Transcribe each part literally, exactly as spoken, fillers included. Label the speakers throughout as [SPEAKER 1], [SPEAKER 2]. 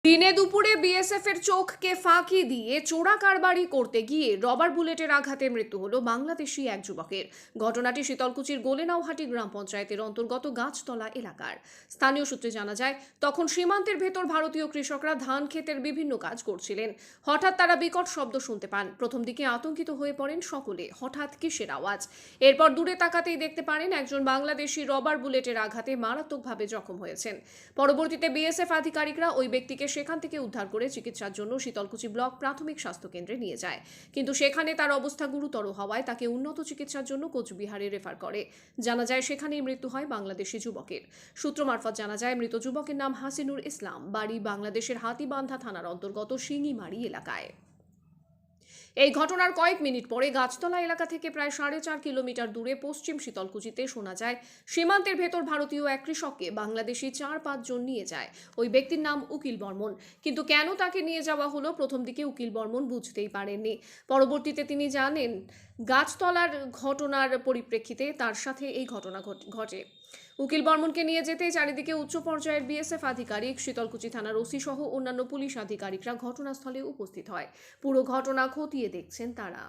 [SPEAKER 1] দিনে দুপুরে বিএসএফ এর চোখকে ফাঁকি দিয়ে চোরা কারবারি করতে গিয়ে রবার বুলেটের আঘাতে মৃত্যু হলো বাংলাদেশি এক যুবকের। ঘটনাটি শীতলকুচির গোলেনাওহাটি গ্রাম পঞ্চায়েতের অন্তর্গত গাছতলা এলাকার। স্থানীয় সূত্রে জানা যায়, তখন সীমান্তের ভেতর ভারতীয় কৃষকরা ধান ক্ষেতের বিভিন্ন কাজ করছিলেন। হঠাৎ তারা বিকট শব্দ শুনতে পান। প্রথম দিকে আতঙ্কিত হয়ে পড়েন সকলে, হঠাৎ কিসের আওয়াজ। এরপর দূরে তাকাতেই দেখতে পারেন একজন বাংলাদেশি রবার বুলেটের আঘাতে মারাত্মকভাবে জখম হয়েছেন। পরবর্তীতে বিএসএফ আধিকারিকরা ওই ব্যক্তিকে সেখান থেকে উদ্ধার করে চিকিৎসার জন্য শীতলকুচি ব্লক প্রাথমিক স্বাস্থ্য কেন্দ্রে নিয়ে যায়, কিন্তু সেখানে তার অবস্থা গুরুতর হওয়ায় তাকে উন্নত চিকিৎসার জন্য কোচবিহারে রেফার করে। জানা যায় সেখানেই মৃত্যু হয় বাংলাদেশি যুবকের। সূত্র মারফত জানা যায় মৃত যুবকের নাম হাসিনুর ইসলাম, বাড়ি বাংলাদেশের হাতিবান্ধা থানার অন্তর্গত শিঙিমারি এলাকায়। এই ঘটনার কয়েক মিনিট পরে গাছতলা এলাকা থেকে প্রায় সাড়ে চার কিলোমিটার দূরে পশ্চিম শীতলকুচিতে শোনা যায় সীমান্তের ভেতর ভারতীয় এক কৃষককে বাংলাদেশি চার পাঁচজন নিয়ে যায়। ওই ব্যক্তির নাম উকিল বর্মন, কিন্তু কেন তাকে নিয়ে যাওয়া হলো প্রথম দিকে উকিল বর্মন বুঝতেই পারেননি। পরবর্তীতে তিনি জানেন গাছতলার ঘটনার পরিপ্রেক্ষিতে তার সাথে এই ঘটনা ঘটে। উকিল বর্মনকে নিয়ে যেতেই চারিদিকে উচ্চ পর্যায়ের বিএসএফ আধিকারিক, শীতলকুচি থানার ওসি সহ অন্যান্য পুলিশ আধিকারিকরা ঘটনাস্থলে উপস্থিত হয়। পুরো ঘটনা খতিয়ে দেখছেন তারা।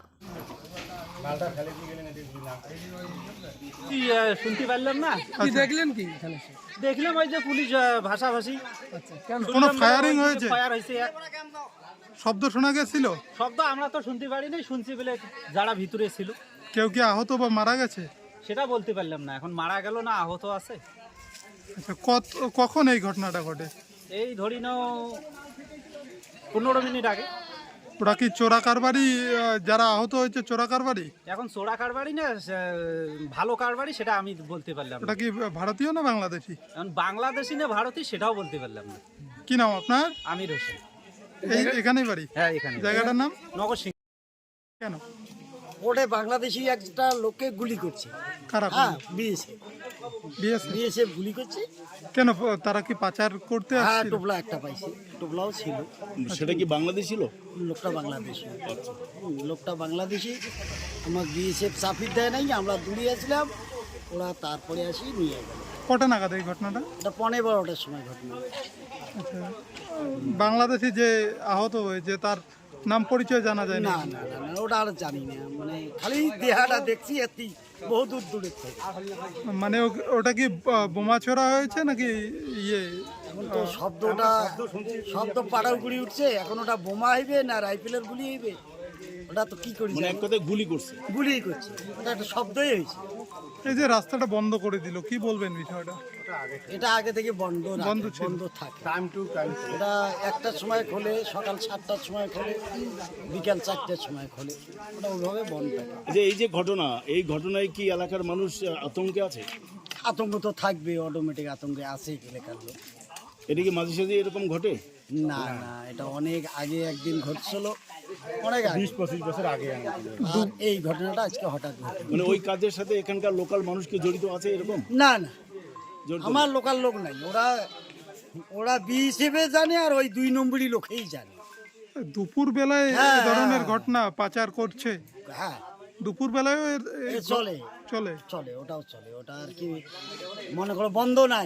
[SPEAKER 2] শুনতে পারলাম না,
[SPEAKER 3] কি দেখলেন? কি
[SPEAKER 2] দেখলাম ওই যে পুলিশ ভাষাভাষী।
[SPEAKER 3] কোনো ফায়ারিং হয়েছে?
[SPEAKER 2] ফায়ার হয়েছে,
[SPEAKER 3] শব্দ শোনা গেছিল?
[SPEAKER 2] শব্দ আমরা তো শুনতে পারিনি, শুনছি বলে যারা ভিতরে ছিল।
[SPEAKER 3] কেউ কি আহত বা মারা গেছে
[SPEAKER 2] সেটা বলতে পারলাম না, এখন মারা গেল না আহত আছে।
[SPEAKER 3] আচ্ছা, কখন এই ঘটনাটা ঘটে?
[SPEAKER 2] এই ধরি নাও পনেরো মিনিট আগে।
[SPEAKER 3] ওরা কি চোরা কারবারি, যারা আহত হয়েছে চোরা কারবারি?
[SPEAKER 2] এখন চোরা কারবারি না ভালো কারবারি সেটা আমি বলতে পারলাম না।
[SPEAKER 3] ওটা কি ভারতীয় না বাংলাদেশি?
[SPEAKER 2] এখন বাংলাদেশি না ভারতীয় সেটাও বলতে পারলাম না।
[SPEAKER 3] কি নাম আপনার?
[SPEAKER 2] আমির হোসেন।
[SPEAKER 3] এই এখানেই বাড়ি?
[SPEAKER 2] হ্যাঁ এখানে।
[SPEAKER 3] জায়গাটার নাম
[SPEAKER 2] নগর সিং।
[SPEAKER 4] কেন ওটা বাংলাদেশি একটা লোককে গুলি করছে?
[SPEAKER 3] কারা?
[SPEAKER 4] হ্যাঁ বিএসএফ।
[SPEAKER 3] বিএসএফ
[SPEAKER 4] বিএসএফ গুলি করছে।
[SPEAKER 3] কেন? তারা কি পাচার করতে
[SPEAKER 4] হ্যাঁ
[SPEAKER 3] আসছিল?
[SPEAKER 4] টোপলা একটা পাইছে, টোপলাও ছিল।
[SPEAKER 5] সেটা কি বাংলাদেশ ছিল?
[SPEAKER 4] লোকটা বাংলাদেশি। হুম, লোকটা বাংলাদেশি। আমার বিএসএফ সাফির দেয় নাই, আমরা দূরে আসলাম, ওরা তারপরে আসি নিয়ে গেল।
[SPEAKER 3] কটা নাগাদ এই ঘটনাটা?
[SPEAKER 4] এটা পনেরো বারোটার সময় ঘটনা।
[SPEAKER 3] আচ্ছা, বাংলাদেশি যে আহত হয়েছে তার নাম পরিচয় জানা যায় না?
[SPEAKER 4] না না না না, ওটা আর জানি না, মানে খালি দেহাটা দেখছি এতি বহু দূর দূরে থেকে।
[SPEAKER 3] মানে ও- ওটা কি আহ, বোমা ছোড়া হয়েছে নাকি ইয়ে?
[SPEAKER 4] এখন তো শব্দটা শব্দ পাড়াও গুলি উঠছে, এখন ওটা বোমা হইবে না রাইফেলের গুলি হইবে ওটা তো কি করি
[SPEAKER 5] মানে এক কথায় গুলি করছে?
[SPEAKER 4] গুলি করছে, ওটা একটা শব্দই হয়েছে।
[SPEAKER 3] এই যে রাস্তাটা বন্ধ করে দিল, কি বলবেন বিষয়টা?
[SPEAKER 4] এটা আগে থেকে বন্ধ রাখে,
[SPEAKER 3] বন্ধ ছিল।
[SPEAKER 4] বন্ধ থাকে টাইম টু টাইম। এটা একটার সময় খোলে, সকাল সাতটার সময় খোলে, বিকাল চারটার সময় খোলে, ওটা ওইভাবে বন্ধ থাকে।
[SPEAKER 5] যে এই যে ঘটনা, এই ঘটনায় কি এলাকার মানুষ আতঙ্কে আছে?
[SPEAKER 4] আতঙ্ক তো থাকবে, অটোমেটিক আতঙ্কে আছে এলাকার লোক।
[SPEAKER 5] এটা কি মাঝে সাঝে এরকম ঘটে?
[SPEAKER 4] না না, এটা অনেক আগে একদিন ঘটছিল, অনেক আগে,
[SPEAKER 5] বিশ পঁচিশ বছর আগে।
[SPEAKER 4] আর এই ঘটনাটা আজকে হঠাৎ ঘটে।
[SPEAKER 5] মানে ওই কাজের সাথে এখানকার লোকাল মানুষ কি জড়িত আছে এরকম?
[SPEAKER 4] না না,
[SPEAKER 5] জড়িত
[SPEAKER 4] আমার লোকাল লোক নাই, ওরা ওরা বি হিসেবে জানে, আর ওই দুই নম্বরই লোকেই জানে।
[SPEAKER 3] দুপুর বেলায়
[SPEAKER 4] হ্যাঁ,
[SPEAKER 3] এই ধরনের
[SPEAKER 4] হ্যাঁ।
[SPEAKER 3] ঘটনা পাচার করছে?
[SPEAKER 4] হ্যাঁ
[SPEAKER 3] দুপুর বেলায়ও এর-
[SPEAKER 4] এ
[SPEAKER 3] এই
[SPEAKER 4] চলে
[SPEAKER 3] চলে?
[SPEAKER 4] চলে, ওটাও চলে, ওটা আর কি মনে করো বন্ধ নাই।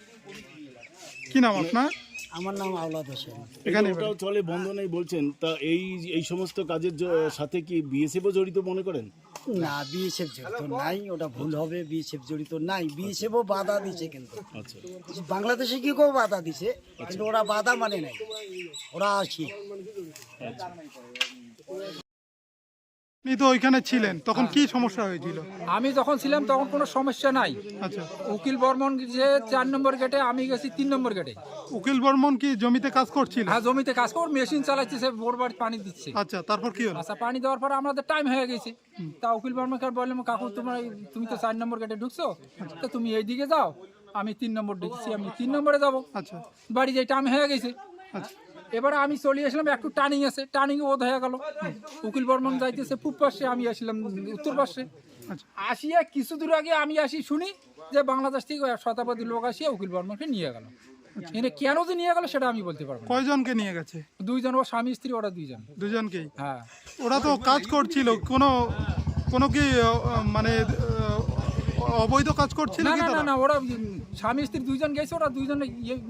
[SPEAKER 3] কি নাম আপনার?
[SPEAKER 4] আমার নাম আওলাদ হোসেন।
[SPEAKER 3] এখানে
[SPEAKER 5] ওটাও চলে, বন্ধ নেই বলছেন, তা এই এই সমস্ত কাজের জ- সাথে কি বিএসএফও জড়িত মনে করেন?
[SPEAKER 4] না, বিএসএফ জড়িত নাই, ওটা ভুল হবে, বিএসএফ জড়িত নাই। বিএসএফও বাধা দিছে, কিন্তু
[SPEAKER 5] আচ্ছা,
[SPEAKER 4] বাংলাদেশে কি কেউ বাধা দিছে, কিন্তু ওরা বাধা মানে নাই, ওরা আসি।
[SPEAKER 3] আপনি তো ওইখানে ছিলেন, তখন কি সমস্যা হয়েছিল?
[SPEAKER 6] আমি যখন ছিলাম তখন কোনো সমস্যা নাই।
[SPEAKER 3] আচ্ছা,
[SPEAKER 6] উকিল বর্মন যে চার নম্বর গেটে, আমি গেছি তিন নম্বর গেটে।
[SPEAKER 3] উকিল বর্মন কি জমিতে কাজ করছিল?
[SPEAKER 6] হ্যাঁ, জমিতে কাজ কর, মেশিন চালাচ্ছে, সে বোর বাড়ি পানি দিচ্ছে।
[SPEAKER 3] আচ্ছা, তারপর কি হলো?
[SPEAKER 6] আচ্ছা, পানি দেওয়ার পরে আমাদের টাইম হয়ে গেছে। তা উকিল বর্মনকে বললাম, কাকু তোমার তুমি তো চার নম্বর গেটে ঢুকছো, তো তুমি এই দিকে যাও, আমি তিন নম্বর ঢুকছি, আমি তিন নম্বরে যাবো।
[SPEAKER 3] আচ্ছা
[SPEAKER 6] বাড়ি যাই, টাইম হয়ে গেছে।
[SPEAKER 3] আচ্ছা
[SPEAKER 6] এবারে আমি চলে আসলাম, একটু টার্নিং আছে, টার্নিং বোধ হয়ে গেল। উকিল বর্মন যাইতেছে পূব পাশে, আমি আসলাম উত্তর পাশে।
[SPEAKER 3] আচ্ছা।
[SPEAKER 6] আসিয়া কিছু দূর আগে আমি আসি শুনি যে বাংলাদেশ থেকে শতাব্দী লোক আসিয়া উকিল বর্মনকে নিয়ে গেল। এনে কেন যে নিয়ে গেল সেটা আমি বলতে পারবো না।
[SPEAKER 3] কয়জনকে নিয়ে গেছে?
[SPEAKER 6] দুইজন, ও স্বামী স্ত্রী, ওরা দুইজন।
[SPEAKER 3] দুজনকেই?
[SPEAKER 6] হ্যাঁ।
[SPEAKER 3] ওরা তো কাজ করছিল, কোনো কোনো কি আহ, মানে আহ, অবৈধ কাজ করছিল
[SPEAKER 6] না
[SPEAKER 3] কি
[SPEAKER 6] না না
[SPEAKER 3] তারা?
[SPEAKER 6] না, ওরা উম, স্বামী স্ত্রী দুইজন গেছে, ওরা দুইজন ইয়ে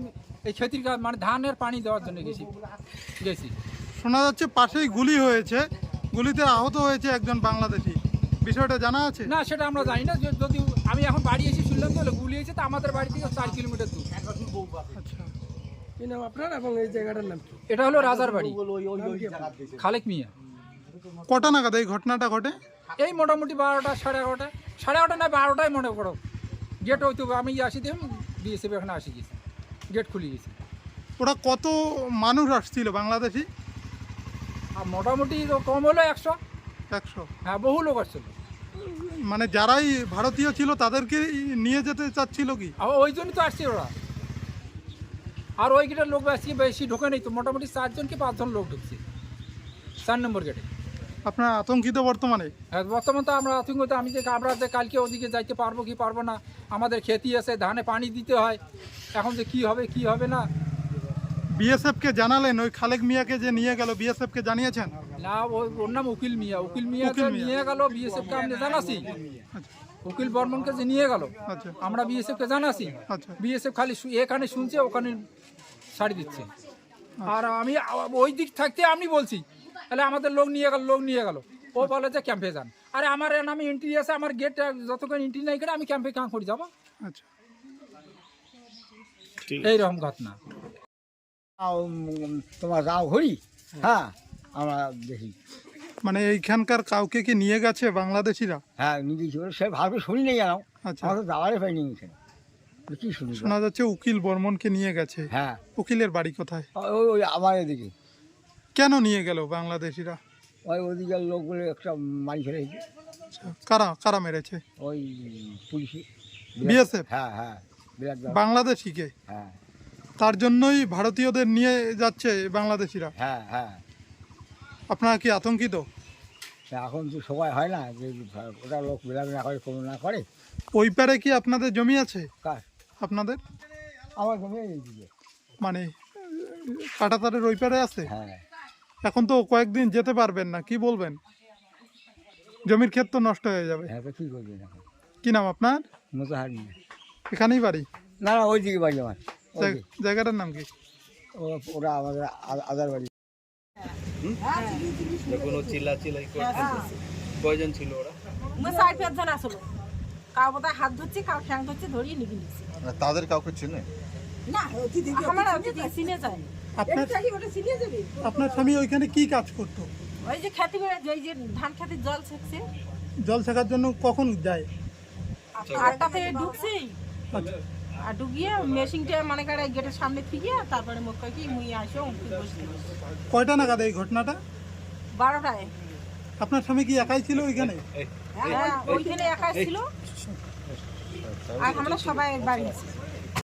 [SPEAKER 6] এই ক্ষতির কাজ মানে ধানের পানি দেওয়ার জন্য গেছি গেছি
[SPEAKER 3] শোনা যাচ্ছে পাশেই গুলি হয়েছে, গুলিতে আহত হয়েছে একজন বাংলাদেশি, বিষয়টা জানা আছে?
[SPEAKER 6] না সেটা আমরা জানি না, যে- যদি আমি এখন বাড়ি এসে শুনলাম তো গুলি হয়েছে, তো আমাদের বাড়ি থেকে চার কিলোমিটার দূর।
[SPEAKER 3] আচ্ছা,
[SPEAKER 7] কি নাম আপনার এবং এই জায়গাটার নাম কি?
[SPEAKER 6] এটা হলো রাজার বাড়ি, খালেক মিয়া।
[SPEAKER 3] কটা নাগাদ এই ঘটনাটা ঘটে?
[SPEAKER 6] এই মোটামুটি বারোটা সাড়ে এগারোটা সাড়ে এগারোটা না বারোটায় মনে করো, গেট হয়তো আমি আসি দিয়ে বিএসএফ এখানে আসি গেছি, গেট খুলে গেছি।
[SPEAKER 3] ওরা কত মানুষ আসছিল বাংলাদেশি?
[SPEAKER 6] আর মোটামুটি তো কম হলো একশো,
[SPEAKER 3] একশো।
[SPEAKER 6] হ্যাঁ বহু লোক আসছিল।
[SPEAKER 3] মানে যারাই ভারতীয় ছিল তাদেরকে নিয়ে যেতে চাচ্ছিল কি?
[SPEAKER 6] আর ওই জন্যই তো আসছে ওরা। আর ওই গেটের লোক বেশি বেশি ঢোকে নেই তো, মোটামুটি চারজন কি পাঁচজন লোক ঢুকছে চার নম্বর গেটে।
[SPEAKER 3] আপনার আতঙ্কিত বর্তমানে?
[SPEAKER 6] হ্যাঁ বর্তমান তো আমরা আতঙ্কিত, আমি যে আমরা যে কালকে ওদিকে যাইতে পারবো কি পারবো না, আমাদের খেতি আছে, ধানে পানি দিতে হয়, এখন যে কি হবে কি হবে না।
[SPEAKER 3] বিএসএফ কে জানালেন? ওই খালেক মিয়াকে যে নিয়ে গেল বিএসএফ কে জানিয়েছেন?
[SPEAKER 6] না ওই ওর নাম উকিল মিয়া, উকিল মিয়া
[SPEAKER 3] উকিল মিয়া।
[SPEAKER 6] নিয়ে গেল বিএসএফ কে আমরা জানাছি, উকিল বর্মনকে যে নিয়ে গেল
[SPEAKER 3] আচ্ছা
[SPEAKER 6] আমরা বিএসএফ কে জানাছি,
[SPEAKER 3] আচ্ছা
[SPEAKER 6] বিএসএফ খালি শু- এখানে শুনছে ওখানে ছাড়ি দিচ্ছে। আর আমি আ- ওই দিক থাকতে আমি বলছি তাহলে আমাদের লোক নিয়ে গেল, লোক নিয়ে গেল, ও বলে যে ক্যাম্পে যান। আরে আমার এর নামে এন্ট্রি আছে, আমার গেট যতক্ষণ এন্ট্রি নাই করে আমি ক্যাম্পে কাম করে যাবো,
[SPEAKER 3] আচ্ছা।
[SPEAKER 5] ঠিক
[SPEAKER 6] এইরকম ঘটনা।
[SPEAKER 4] তোমার রাও ঘড়ি, হ্যাঁ আমরা দেখি,
[SPEAKER 3] মানে এইখানকার কাউকে কি নিয়ে গেছে বাংলাদেশিরা?
[SPEAKER 4] হ্যাঁ নিজে ছিল, সে ভাবে শুনি নেই জানাও,
[SPEAKER 3] আচ্ছা,
[SPEAKER 4] আমরা তো যাওয়ারই পাইনি এখানে, কি শুনি?
[SPEAKER 3] শোনা যাচ্ছে উকিল বর্মনকে নিয়ে গেছে।
[SPEAKER 4] হ্যাঁ
[SPEAKER 3] উকিলের বাড়ি কোথায়?
[SPEAKER 4] ওই ওই আমার এদিকে,
[SPEAKER 3] কেন নিয়ে গেল বাংলাদেশিরা?
[SPEAKER 4] ওই ওদিকের লোকগুলো একটা মারি ফেলেছে,
[SPEAKER 3] আচ্ছা, কারা কারা মেরেছে?
[SPEAKER 4] ওই পুলিশে,
[SPEAKER 3] বিএসএফ?
[SPEAKER 4] হ্যাঁ হ্যাঁ বিরাট ব্যাপার।
[SPEAKER 3] বাংলাদেশিকে?
[SPEAKER 4] হ্যাঁ
[SPEAKER 3] তার জন্যই ভারতীয়দের নিয়ে যাচ্ছে বাংলাদেশিরা।
[SPEAKER 4] হ্যাঁ হ্যাঁ
[SPEAKER 3] আপনারা কি আতঙ্কিত?
[SPEAKER 4] তা এখন তো সবাই হয় না যে ওটা লোক বেলাবে না করে, কোনো না করে।
[SPEAKER 3] ওই পারে কি আপনাদের জমি আছে?
[SPEAKER 4] কার?
[SPEAKER 3] আপনাদের
[SPEAKER 4] আমার জমি এইদিকে।
[SPEAKER 3] মানে কাঁটাতারের ওই পারে আছে?
[SPEAKER 4] হ্যাঁ
[SPEAKER 3] এখন তো কয়েকদিন যেতে পারবেন না, কি বলবেন? জমির ক্ষেত তো নষ্ট হয়ে যাবে।
[SPEAKER 4] হ্যাঁ তো কী করবেন এখন?
[SPEAKER 3] কি নাম আপনার?
[SPEAKER 4] মতো হার নিয়ে
[SPEAKER 3] এখানেই বাড়ি?
[SPEAKER 4] না না ওই দিকে বাড়ি আমার, ওই
[SPEAKER 3] জায়গা-
[SPEAKER 4] দিকে।
[SPEAKER 3] জায়গাটার নাম কি?
[SPEAKER 4] ও- ওরা আমাদের আ- আদার বাড়ি।
[SPEAKER 8] যখন ও চিল্লাচিল্লাই করছে কয়জন ছিল ওরা?
[SPEAKER 9] চার পাঁচজন আসলো, কাউ বোধহয় হাত ধরছে, কাউ ঠ্যাং ধরছে, ধরিয়ে নিয়ে নিচ্ছে।
[SPEAKER 8] তাদের কাউকে চেনে?
[SPEAKER 9] না আমার অতিথি চিনে যায় না।
[SPEAKER 3] আপনার আপনার স্বামী ওইখানে কি কাজ করতো?
[SPEAKER 9] ওই যে খেতে করে ওই যে ধান খেতে জল সেকছে,
[SPEAKER 3] জল শেখার জন্য কখন যায়?
[SPEAKER 9] আটটা থেকে ঢুকছি,
[SPEAKER 3] আচ্ছা,
[SPEAKER 9] আর ঢুকিয়ে মেশিনটা মানে কারে গেটের সামনে থেকে তারপরে মুখ কয় কি মুই আসো উঠে বসতে
[SPEAKER 3] কয়টা নাগাদ এই ঘটনাটা?
[SPEAKER 9] বারোটায়।
[SPEAKER 3] আপনার স্বামী কি একাই ছিল ওইখানে?
[SPEAKER 9] হ্যাঁ ওইখানে একাই ছিল আর আমরা সবাই বাড়ি আছি।